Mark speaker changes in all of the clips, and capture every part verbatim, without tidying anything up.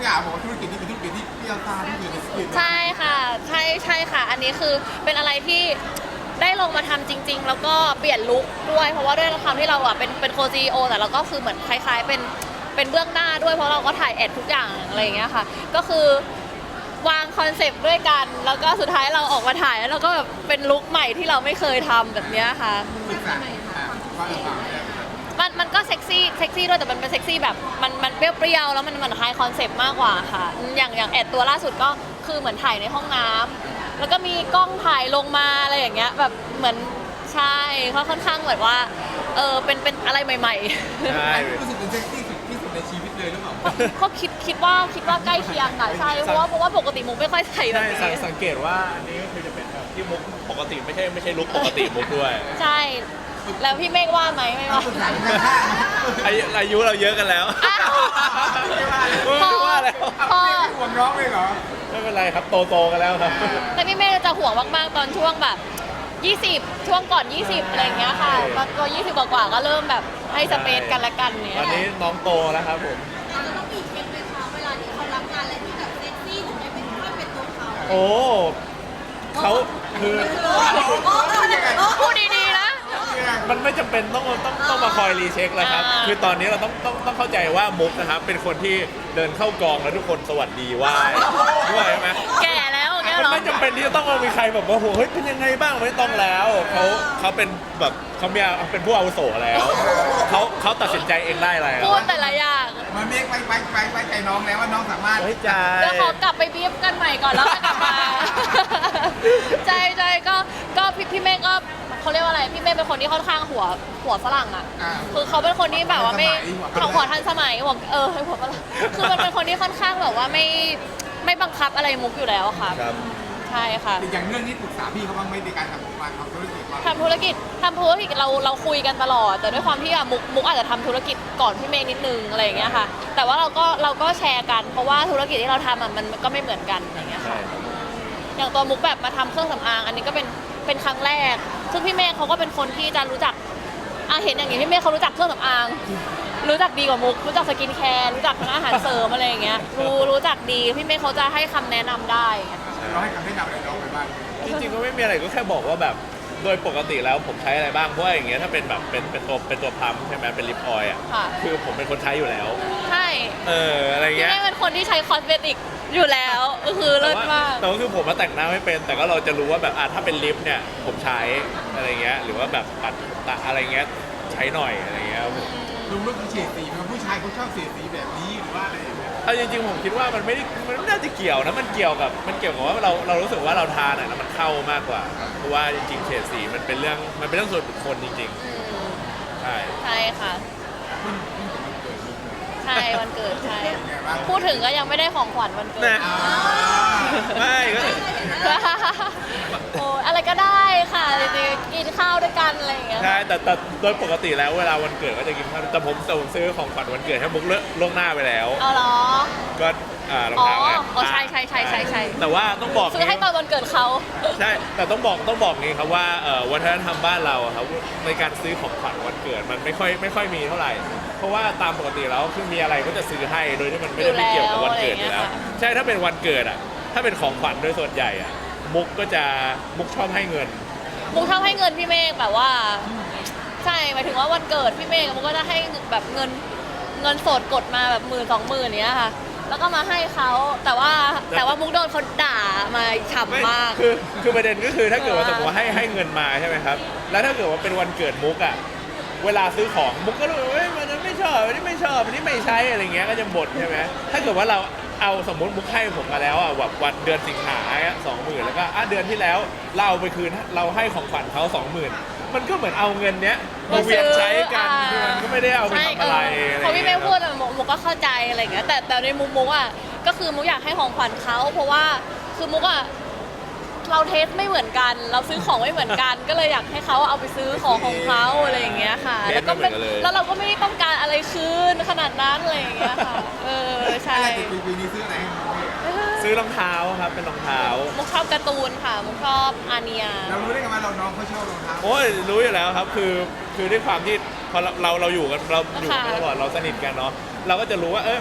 Speaker 1: อย่างบอกว่าธุรกิจนี้เป็นธุรกิจที่พี่เอาตาที่อยู่ในสกิล
Speaker 2: ใช่ค่ะใช่ใช่ค่ะ อันนี้คือเป็นอะไรที่ได้ลงมาทำจริง ๆ แล้วก็เปลี่ยนลุคด้วยเพราะว่าด้วยความที่เราอ่ะเป็นเป็นโคซีโอแต่เราก็คือเหมือนคล้ายๆเป็นเป็นเบื้องหน้าด้วยเพราะเราก็ถ่ายแอดทุกอย่างอะไรอย่างเงี้ยค่ะก็คือวางคอนเซปต์ด้วยกัน แล้วก็สุดท้ายเราออกมาถ่ายแล้วเราก็แบบเป็นลุคใหม่ที่เราไม่เคยทำแบบเนี้ยค่ะ
Speaker 1: ศึกษาว่าเออว่าเนี่ย
Speaker 2: มันมันก็เซ็กซี่เซ็กซี่ด้วยแต่มันเป็นเซ็กซี่แบบมันมันเปรี้ยวๆแล้วมันมันคล้ายคอนเซปต์มากกว่าค่ะอย่างอย่างแอดตัวล่าสุดก็คือเหมือนถ่ายในห้องน้ำแล้วก็มีกล้องถ่ายลงมาอะไรอย่างเงี้ยแบบเหมือนใช่เขาค่อนข้างแบบว่าเออเป็นเป็นอะไรใหม่ๆ
Speaker 3: ใช่
Speaker 1: รู้สึกเป็นเซ็กซี่สุดที่สุดในชีวิตเลยหรือเปล่า
Speaker 2: เขาคิดคิดว่าคิดว่าใกล้เคียงค่ะใช่เพราะว่าเพราะว่าปกติมุกไม่ค่อยใส่แบบ
Speaker 3: ใช่
Speaker 2: นี้
Speaker 3: สังเกตว่าอันนี้ก็คือจะเป็นแบบที่มุกปกติไม่ใช่ไม่ใช่ลุคปกติมุกด้วย
Speaker 2: ใช่แล้วพี่เมฆว่าไหมไม่ว่า
Speaker 1: ศึกษาข้าง
Speaker 3: อายุอายุเราเยอะกันแล้ว
Speaker 2: อ้าว
Speaker 3: ไม่ว่าแล้ว
Speaker 2: พอ
Speaker 1: ไม่ห่วงน้องเลยเหรอ
Speaker 3: ไม่เป็นไรครับโตโตๆกันแล้วครับ
Speaker 2: แต่พี่เมฆจะห่วงมากๆตอนช่วงแบบยี่สิบช่วงก่อน ยี่สิบอะไรอย่างเงี้ยค่ะตอนตัวยี่สิบกว่าๆก็เริ่มแบบให้สเปซกันละกันเนี้
Speaker 3: ตอน
Speaker 2: ย
Speaker 3: นี้น้องโตแล้วครับผม
Speaker 4: เราจะต้องมีเทคไหมคะเวลาที่เขารับงานอะไรที่แบบเซ็กซี่หรือไม่เป็นไม่เป็นตัวเขา
Speaker 3: โอ้เขาคือ
Speaker 2: พูดดีๆนะ
Speaker 3: มันไม่จำเป็นต้องต้องต้องมาคอยรีเช็คแล้วครับ
Speaker 2: อ่า
Speaker 3: คือตอนนี้เราต้องต้องต้องเข้าใจว่ามุกนะครับเป็นคนที่เดินเข้ากองแล้วทุกคนสวัสดีไหว้ด้วยใช่ไหม
Speaker 2: แก่แล้วอย่างเงี้ย
Speaker 3: มัน
Speaker 2: เหรอ
Speaker 3: ไม่จำเป็นที่จะต้องมามีใครแบบว่าโหเฮ้ยเป็นยังไงบ้างไม่ต้องแล้วเขาเขาเป็นแบบเขามีเป็นผู้อาวุโสแล้วเขาเขาตัดสินใจเองได้แล้ว
Speaker 2: พูดแต่ละอย่าง
Speaker 1: มันเมฆไปไปไปไปใจน้องแล้วว่าน้องสามารถ
Speaker 3: เฮ้ยใจ
Speaker 2: เดี๋ยวขอกลับไปบีฟกันใหม่ก่อนแล้วค่อยกลับมา ใจใจก็ก็พี่พี่เมฆก็เขาเรียกว่าอะไรพี่เมฆเป็นคนที่ค่อนข้างหัวหัวฝรั่งอ่ะ
Speaker 1: อ่า
Speaker 2: คือเขาเป็นคนที่แบบว่าไม่
Speaker 1: ทันสมัย
Speaker 2: หัวหัวทันสมัยหัวเออหัวฝรั่งคือมันเป็นคนที่ค่อนข้างแบบว่าไม่ไม่บังคับอะไรมุกอยู่แล้วอะค่ะ
Speaker 3: ครับ
Speaker 2: ใช่ค่ะ
Speaker 1: แต่อย่างเรื่องนี้ปรึกษาพี่เขาบ้างไหมในการทำการทำธุรกิจบ้าง
Speaker 2: ทำธุรกิจทำธุรกิจเราเราคุยกันตลอด แต่ด้วยความที่อะมุกมุกอาจจะทำธุรกิจก่อนพี่เมฆนิดนึงอะไรอย่างเงี้ยค่ะ แต่ว่าเราก็เราก็แชร์กันเพราะว่าธุรกิจที่เราทำอะมันมันก็ไม่เหมือนกันอย่างเงี้ย
Speaker 3: ใช่
Speaker 2: ค่ะอย่างตัวมุกแบบมาทำเครื่องสำอางอันนี้ก็เป็นเป็นครั้งแรก ซึ่งพี่เมฆเขาก็เป็นคนที่จะรู้จักอาเห็นอย่างนี้พี่เมฆเขารู้จักเครื่องสำอาง รู้จักดีกว่ามุกรู้จักสกินแคร์รู้จักทั้งอาหารเสริมอะไรอย่างเงี้ยรู้รู้จักดีพี่เมฆเขาจะให้คำแนะนำได้อย่างเงี้ย
Speaker 1: เราให้คำแนะนำอะไรน้องไปบ้าง
Speaker 3: จริงๆก็ไม่มีอะไรก็แค่บอกว่าแบบโดยปกติแล้วผมใช้อะไรบ้างเพราะว่าอย่างเงี้ยถ้าเป็นแบบเป็นเป็นตัวเป็นตัวพัมใช่ไหมเป็นลิปออยล์อ่ะ
Speaker 2: ค่ะ
Speaker 3: คือผมเป็นคนใช้อยู่แล้ว
Speaker 2: ใช่
Speaker 3: เอออะไร
Speaker 2: พี่
Speaker 3: เงี้ย
Speaker 2: เมฆเป็นคนที่ใช้คอสเมติกอยู่แล้วก็คือ
Speaker 3: แต่
Speaker 2: เลิศ
Speaker 3: ว่าม
Speaker 2: าก
Speaker 3: แต่ว่าคือผมมาแต่งหน้าไม่เป็น แต่ก็เราจะรู้ว่าแบบอ่ะถ้าเป็นลิปเนี่ยผมใช้อะไรเงี้ยหรือว่าแบบปัดตะอะไรเงี้ยใช้หน่อยอะไรเงี้ยครับผม
Speaker 1: ลุงเลือกเฉดสีไหมผู้ชายเขาชอบเฉดสีแบบนี้หรือว่าอะไรอย่างเงี้ย
Speaker 3: เอาจริงๆผมคิดว่ามันไม่ได้มันไม่น่าจะเกี่ยวนะมันเกี่ยวกับมันเกี่ยวกับว่าเราเรารู้สึกว่าเราทานอ่ะแล้วมันเข้ามากกว่าเพราะว่าจริงๆเฉดสีมันเป็นเรื่องมันเป็นเรื่องส่วนบุคคลจริง
Speaker 2: อืม
Speaker 3: ๆใช่
Speaker 2: ใช่ค่ะ
Speaker 1: เพิ่งเพิ่งจะมาเกิดลุงเลย
Speaker 2: ใช่วันเกิดใช่
Speaker 1: เป็นไงบ้าง
Speaker 2: พูดถึงก็ยังไม่ได้ของขวัญวันเกิด
Speaker 3: นะ
Speaker 1: อ่า
Speaker 3: ไม่ก็
Speaker 2: โอ้อะไรก็ได้ค่ะจริงๆกินข้าวด้วยกันอะไรอย่างเงี้ย
Speaker 3: ใช่แต่แต่โดยปกติแล้วเวลาวันเกิดก็จะกินข้าวแต่ผมแต่ผมซื้อของขวัญวันเกิดให้มุกเลิกล่วงหน้าไปแล้ว
Speaker 2: เอาเหรอ
Speaker 3: ก็อ่ารอง
Speaker 2: อ๋อ
Speaker 3: เท้าไง
Speaker 2: อ๋อใช่ใช่ใช่ใช่ใช่
Speaker 3: แต่ว่าต้องบอก
Speaker 2: ซื้อให้ตอนวันเกิดเขา
Speaker 3: ใช่แต่ต้องบอกต้องบอกนี้ครับว่าเอ่อวัฒนธรรมบ้านเราอะครับในการซื้อของขวัญวันเกิดมันไม่ค่อยไม่ค่อยมีเท่าไหร่ เพราะว่าตามปกติแล้วคือมีอะไรก็จะซื้อให้โดยที่มันไม่ได้ไม่เกี่ยวกับวันเกิดอยู่แล้วใช่ถ้าเป็นวันเกิดอ่ะถ้าเป็นของขวัญโดยส่วนใหญ่อ่ะมุกก็จะมุกชอบให้เงิน
Speaker 2: มุกชอบให้เงินพี่เมฆแบบว่า ใช่หมายถึงว่าวันเกิดพี่เมฆมุกก็จะให้แบบเงินเงินสดกดมาแบบหมื่นสองหมื่นเนี้ยค่ะ แล้วก็มาให้เขาแต่ว่าแต่ว่ามุกโดนเขาด่ามาฉ่ำมาก
Speaker 3: คือคือประเด็นก็คือถ้าเกิดว่า
Speaker 2: เออ
Speaker 3: สมมติว่าให้ให้เงินมาใช่ไหมครับแล้วถ้าเกิดว่าเป็นวันเกิดมุกอ่ะเวลาซื้อของมุกก็รู้ว่าเฮ้ยมันนั้นไม่ชอบอันนี้ไม่ชอบอันนี้ไม่ใช้อะไรเงี้ยก็จะบ่นใช่ไหมถ้าเกิดว่าเราเอาสมมติมุกให้ผมมาแล้วอ่ะแบบวันเดือนสิงหาสองหมื่นแล้วก็อ่ะเดือนที่แล้วเราเอาไปคืนเราให้ของขวัญเขาสองหมื่นมันก็เหมือนเอาเงินเนี้ยมาเวียนใช้กันคือมันก็ไม่ได้เอาไปทำอะไรอะไร
Speaker 2: พอพี่เม
Speaker 3: เงี้
Speaker 2: ฆ
Speaker 3: ย
Speaker 2: พูดอะมุกมุกก็เข้าใจอะไรอย่างเงี้ยแต่แต่ในมุมมุกอ่ะก็คือมุกอยากให้ของขวัญเขาเพราะว่าคือมุกอ่ะเราเทสไม่เหมือนกัน เราซื้อของไม่เหมือนกัน ก็เลยอยากให้เขาเอาไปซื้อของของเขาอะไรอย่างเงี้ยค่ะ แล้วก็ไม่แล้วเราก็ไม่ได้ต้องการอะไรคืนขนาดนั้นอะไรอย่างเงี้ยค่ะเออใช่
Speaker 1: อะไรติดปีปีนี้ซื้ออะไรให้น้องเมฆ
Speaker 3: ซื้อรองเท้าครับเป็นรองเท้า
Speaker 2: มุกชอบการ์ตูนค่ะมุกชอบอาเนีย
Speaker 1: เรารู้ได้ไงว่าเราน้องเขาชอบรองเท้า
Speaker 3: โอ้ยรู้อยู่แล้วครับคือคือด้วยความที่พอเราเราเราอยู่กันเราอยู่กัน
Speaker 2: ค่ะ
Speaker 3: ตลอดเราสนิทกันเนาะเราก็จะรู้ว่าเออแบบ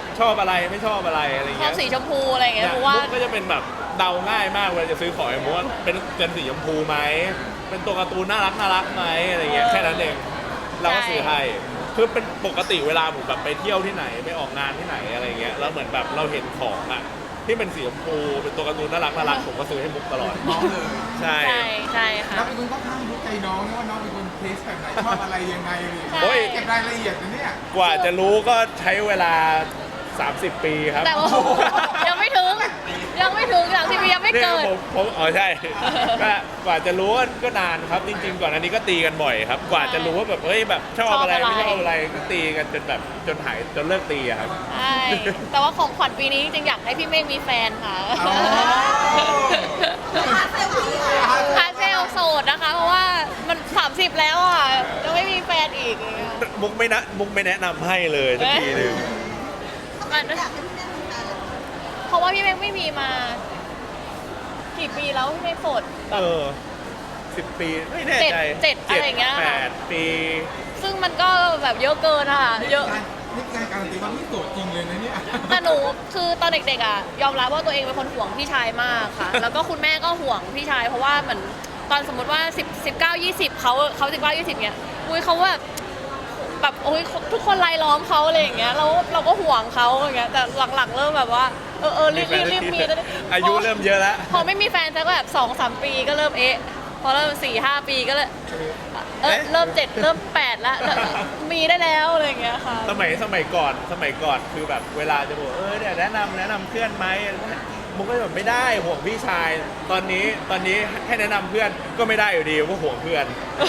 Speaker 3: ชอบอะไรไม่ชอบอะไรอะไร
Speaker 2: ชอ
Speaker 3: เงี้
Speaker 2: บ
Speaker 3: ย
Speaker 2: สีชมพูอะไรอย่างเงี้ย
Speaker 3: เนี่ย
Speaker 2: เพราะว่า
Speaker 3: มุกก็จะเป็นแบบเดาง่ายมากเวลาจะซื้อของไอ้มุกว่าเป็นเป็นสีชมพูไหมเป็นตัวการ์ตูนน่ารักน่ารักไหมอะไรเงี้ยแค่นั้นเองเราก็ซื้อให้คือเป็นปกติเวลาผมแบบไปเที่ยวที่ไหนไปออกงานที่ไหนอะไรเงี้ยแล้วเหมือนแบบเราเห็นของอ่ะที่เป็นสีชมพูเป็นตัวการ์ตูนน่ารักน่ารักผมก็ซื้อให้มุกตลอด
Speaker 1: น้องเลย
Speaker 3: ใช่
Speaker 2: ใช่ใช่ค่ะ
Speaker 1: เราเป็นคนค่อนข้างรู้ใจน้องนะว่าน้องเป็นคนเทสแบบไหนชอบอะไรยังไงเลย
Speaker 2: ใช่
Speaker 3: โอ้ย
Speaker 1: เก็บรายละเอียดนะเนี่ย
Speaker 3: กว่าจะรู้ก็ใช้เวลา สามสิบ ปีครับ
Speaker 2: แต่ว่ายังไม่ถึงยังไม่ถึงอย่างที่มียังไม่
Speaker 3: เนี่ย
Speaker 2: เกิด
Speaker 3: ผมผมอ๋อใช่ ก็กว่าจะรู้ก็นานครับ จริง ๆ ก่อนอันนี้ก็ตีกันบ่อยครับ กว่าจะรู้ว่าแบบเฮ้ยแบบชอบอะไร
Speaker 2: ชอบอะไร
Speaker 3: ไม่ชอบอะไรก็ตีกันจนแบบจนหายจนเลิกตีอะครับ
Speaker 2: ใช่แต่ว่าของขวัญปีนี้จริงๆอยากให้พี่เมฆมีแฟนค่ะ
Speaker 1: อ๋อ
Speaker 4: พาเซลฟี่เลย
Speaker 2: พาเซลโสดนะคะ เพราะว่ามัน สามสิบ แล้วอ่ะยังไม่มีแฟนอีกอย่างเงี้ย
Speaker 3: มุกไม่นะมุกไม่แนะนำให้เลยสักทีหนึ่ง
Speaker 2: มัน
Speaker 4: อยากให้พี่แม่มีแฟนเลย
Speaker 2: เพราะว่าพี่เมฆไม่มีมา กี่ปีแล้วพี่เมฆโสด
Speaker 3: เออสิบปีไม่แน่ใจ
Speaker 2: เจ็ดเจ็ดอะไรอย่างเงี้ย
Speaker 3: แปดปี
Speaker 2: ซึ่งมันก็แบบเยอะเกินอะเยอะ
Speaker 1: นี่การการันตีว่าพี่โสดจริงเลยนะเนี่ย
Speaker 2: แต่หนูคือตอนเด็กๆอ่ะยอมรับว่าตัวเองเป็นคนห่วงพี่ชายมากค่ะ แล้วก็คุณแม่ก็ห่วงพี่ชายเพราะว่าเหมือนตอนสมมติว่าสิบ สิบเก้า ยี่สิบเขาเขาสิบเก้า ยี่สิบเนี่ยอุ้ยเขาแบบแบบโอ้ยทุกคนรายล้อมเขาอะไรอย่างเงี้ยเราเราก็ห่วงเขาอย่างเงี้ยแต่หลังๆเริ่มแบบว่าเออเออรีบรีบรีบมีแล้ว
Speaker 3: อายุเริ่มเยอะแล้ว
Speaker 2: พอไม่มีแฟนสักแบบสองสามปีก็เริ่มเอ๊ะพอเริ่มสี่ห้าปีก็เลยเออเริ่มเจ็ดเริ่มแปดแล้วแล้วมีได้แล้วอะไรอย่างเงี้ยค่ะ
Speaker 3: สมัยสมัยก่อนสมัยก่อนคือแบบเวลาจะบอกเออเนี่ยแนะนำแนะนำเพื่อนไหมมุกก็จะแบบไม่ได้ห่วงพี่ชาย ตอนนี้ตอนนี้ให้แนะนำเพื่อนก็ไม่ได้อยู่ดีเพราะห่วงเพื่อน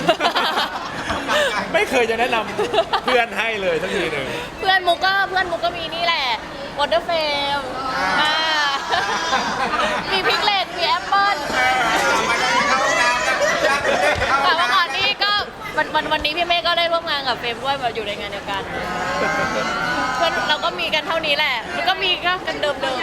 Speaker 3: ไม่เคยจะแนะนำเพื่อนให้เลยสักทีหนึ่ง
Speaker 2: เพื่อนมุกก็เพื่อนมุกก็มีนี่แหละวอเตอร์เฟมมีพิกเลตมีแอปเปิ้ลแต่ว่าก่อนนี้ก็วันวันวันนี้พี่เมฆก็ได้ร่วมงานกับเฟรมด้วยแบบอยู่ในงานเดียวกัน เพื่อนเราก็มีกันเท่านี้แหละมันก็มีก็กันเดิมเดิม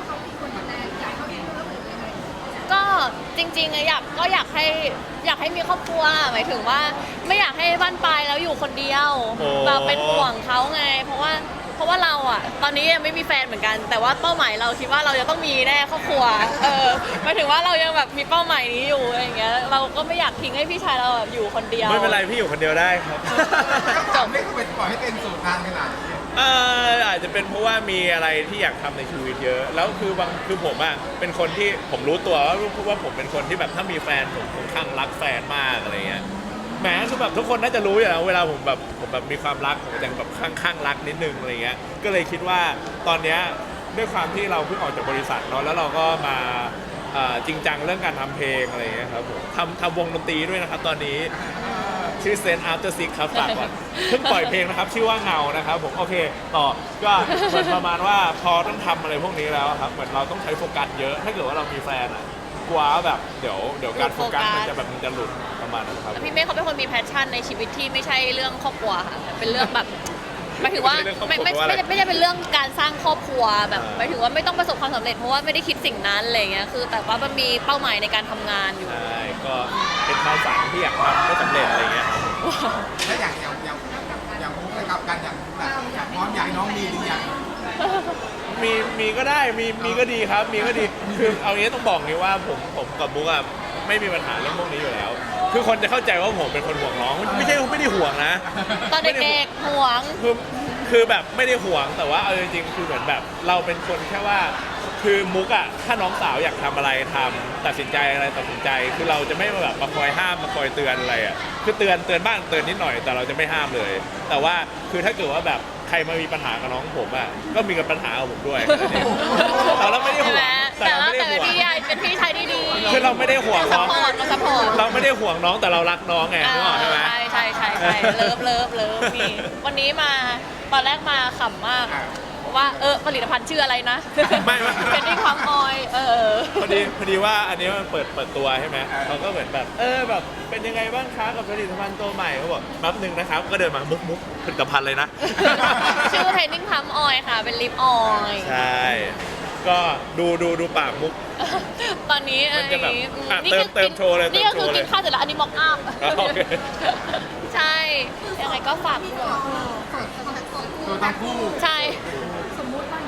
Speaker 2: ก็จริงๆอะอยากก็อยากให้อยากให้มีครอบครัวหมายถึงว่าไม่อยากให้บ้านปลายแล้วอยู่คนเดียวเราเป็นห่วงเขาไง เพราะว่าเพราะว่าเราอ่ะตอนนี้ยังไม่มีแฟนเหมือนกัน แต่ว่าเป้าหมายเราคิดว่าเราจะต้องมีแน่ครอบครัวเออหมายถึงว่าเรายังแบบมีเป้าหมายนี้อยู่อะไรอย่างเงี้ยเราก็ไม่อยากทิ้งให้พี่ชายเราแบบอยู่คนเดียว
Speaker 3: ไม่เป็นไรพี่อยู่คนเดียวได้ครับ
Speaker 1: จบไม่ควรปล่อยให้เป็นโสดนานขนาดนี้
Speaker 3: เอออาจจะเป็นเพราะว่ามีอะไรที่อยากทำในชีวิตเยอะ แล้วคือบางคือผมอ่ะเป็นคนที่ผมรู้ตัวว่าว่าผมเป็นคนที่แบบถ้ามีแฟนผมผมข้างรักแฟนมากอะไรเงี้ยแหมคือแบบทุกคนน่าจะรู้อยู่แล้วเวลาผมแบบผมแบบมีความรักผมจะแบบข้างข้างรักนิดนึงอะไรเงี้ยก็เลยคิดว่าตอนเนี้ยด้วยความที่เราเพิ่งออกจากบริษัทเนาะแล้วเราก็มาเอ่อจริงจังเรื่องการทำเพลงอะไรเงี้ยครับผมทำทำวงดนตรีด้วยนะครับตอนนี้ชื่อเซนอาร์เตอร์ซิกครับฝากก่อนเพิ่งปล่อยเพลงนะครับชื่อว่าเงานะครับผมโอเคต่อก็เหมือนประมาณว่าพอต้องทำอะไรพวกนี้แล้วครับเหมือนเราต้องใช้โฟกัสเยอะถ้าเกิดว่าเรามีแฟนอ่ะกลัวว่าแบบเดี๋ยวเดี๋ยวการโฟกัสมันจะแบบมันจะหลุดประมาณนั้นครับ
Speaker 2: แล้วพี่เมฆเขาเป็นคนมีแพชชั่นในชีวิตที่ไม่ใช่เรื่องครอบครัวค่ะเป็นเรื่องแบบหมายถึงว่าไม่ไม่ไม่ไม่ได้เป็นเรื่องการสร้างครอบครัวแบบหมายถึงว่าไม่ต้องประสบความสำเร็จเพราะว่าไม่ได้คิดสิ่งนั้นอะไรเงี้ยคือแต่ว่ามันมีเป้าหมายในการทำงานอยู่
Speaker 3: ใช่ก็เป็นความฝันที่อยากทำไม่สำเร็จอะไรเงี้ย
Speaker 1: แล้วอย่างอย่างอย่างอย่างมุกกับกันอย่างแบบอยากพร้อมอยากให้น้องมีหรือยัง
Speaker 3: มีมีก็ได้มีมีก็ดีครับมีก็ดีคือเอางี้ต้องบอกนี้ว่าผมผมกับบุ๊กอะไม่มีปัญหาเรื่องพวกนี้อยู่แล้ว คือคนจะเข้าใจว่าผมเป็นคนห่วงน้องไม่ใช่ไม่ได้ห่วงนะ
Speaker 2: ตอนเด็กๆห่วง
Speaker 3: คือคือแบบไม่ได้ห่วงแต่ว่าเอาจริงๆคือเหมือนแบบเราเป็นคนแค่ว่าคือมุกอะถ้าน้องสาวอยากทำอะไรทำตัดสินใจอะไรตัดสินใจคือเราจะไม่มาแบบมาคอยห้ามมาคอยเตือนอะไรอะคือเตือนเตือนบ้างเตือนนิดหน่อยแต่เราจะไม่ห้ามเลย แต่ว่าคือถ้าเกิดว่าแบบใครมามีปัญหากับน้องผมอะก็มีกับปัญหากับผมด้วยแต่เราไม่ได้ห่วง
Speaker 2: แต่
Speaker 3: แต่เรา
Speaker 2: ว่า
Speaker 3: ไม่ได้
Speaker 2: แต่เป็น
Speaker 3: ห่วง
Speaker 2: พี่ใหญ่เป็นพี่ชายที่ดี
Speaker 3: คือเราไม่ได้ห่วง
Speaker 2: ซั
Speaker 3: น้
Speaker 2: พ
Speaker 3: อง
Speaker 2: พอร์ตเราซัพพอร์ต
Speaker 3: เราไม่ได้ห่วงน้องแต่เรารักน้องไงนึกออกใช่ไหม
Speaker 2: ใช่ใช่ใช่ใช่เลิฟเลิฟเลิฟมีวันนี้มาตอนแรกมาขำมากว่าเออผลิตภัณฑ์ชื่ออะไรนะ
Speaker 3: ไม่ไม่
Speaker 2: เป็นที่ความออยเออ
Speaker 3: พอดีพอดีว่าอันนี้มันเปิดเปิดตัวใช่ไหมเขาก็เหมือนแบบเออแบบเป็นยังไงบ้างคะกับผลิตภัณฑ์ตัวใหม่เขาบอกแป๊บนึงนะครับก็เดินมามุกมุกผลิตภัณฑ์เลยนะ
Speaker 2: ชื่อเทรนนิ่งพัมออยค่ะ เป็นลิปออย
Speaker 3: ใช่ ก็ดูดูดูปากมุก
Speaker 2: ตอนนี้อัน
Speaker 3: มันจะแบบ
Speaker 2: นี้
Speaker 3: อ่ะ
Speaker 2: นี่
Speaker 3: เติม
Speaker 2: คือ
Speaker 3: เติมโชว์เลย
Speaker 2: นี่ก็
Speaker 3: เติม
Speaker 2: คือ
Speaker 3: โชว์เลย
Speaker 2: กินข้าวเสร็จแล้วอันนี้มอกอัพ
Speaker 3: โอเค
Speaker 2: ใช่ยังไงก็ฝากด้วย
Speaker 1: ตัวทั้งคู่
Speaker 2: ใช่
Speaker 4: สมมุติว่า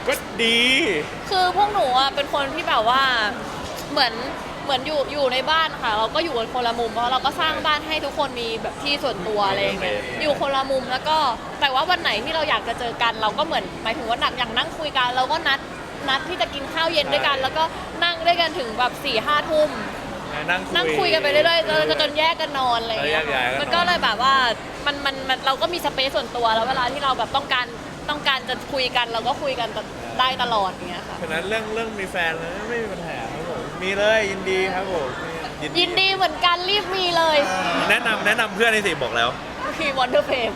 Speaker 3: ก็ดี
Speaker 2: คือพวกหนูอ่ะเป็นคนที่แบบว่าเหมือนเหมือนอยู่อยู่ในบ้านค่ะ เราก็อยู่กันคนละมุมเพราะเราก็สร้างบ้านให้ทุกคนมีแบบที่ส่วนตัวอะไรอย่างเงี้ยอยู่คนละมุมแล้วก็แต่ว่าวันไหนที่เราอยากจะเจอกัน เราก็เหมือนหมายถึงว่าหนักอย่างนั่งคุยกันเราก็นัดนัดที่จะกินข้าวเย็นด้วยกัน แล้วก็นั่งด้วยกันถึงแบบสี่ห้าทุ่ม
Speaker 3: นั่ง
Speaker 2: นั่งคุยกันไปเรื่อยๆแล้วจนแยกกันนอนอะไรอย่างเงี้ย
Speaker 3: แล้วแยกย้ายกันนอน
Speaker 2: มันก็เลยแบบว่ามันมันมันเราก็มีสเปซส่วนตัวแล้วเวลาที่เราแบบต้องการต้องการจะคุยกันเราก็คุยกันได้ตลอดอย่างเงี้ยค่ะ
Speaker 3: ฉะนั้นเรื่องเรื่องมีแฟนเลยไม่มีปัญหาครับผมมีเลยยินดีครับผม
Speaker 2: ยินดีเหมือนกันรีบมีเลย
Speaker 3: แนะนำแนะนำเพื่อนในสิบอกแล้ว
Speaker 2: พี่วอนเดอร์เพม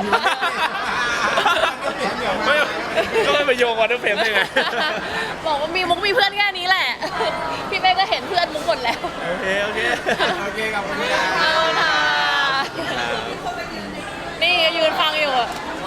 Speaker 3: ไม่ก็ไม่ไปโยงวันนั้นเฟรมได้ไง
Speaker 2: บอกว่ามีมุกมีเพื่อนแค่นี้แหละ พี่เป้ก็เห็นเพื่อนมุกหมดแล้ว
Speaker 3: โอเคโอเค
Speaker 1: โอเคกับคุณพี่ดา
Speaker 2: เอาค่ะนี่ยืนฟังอยู่อะ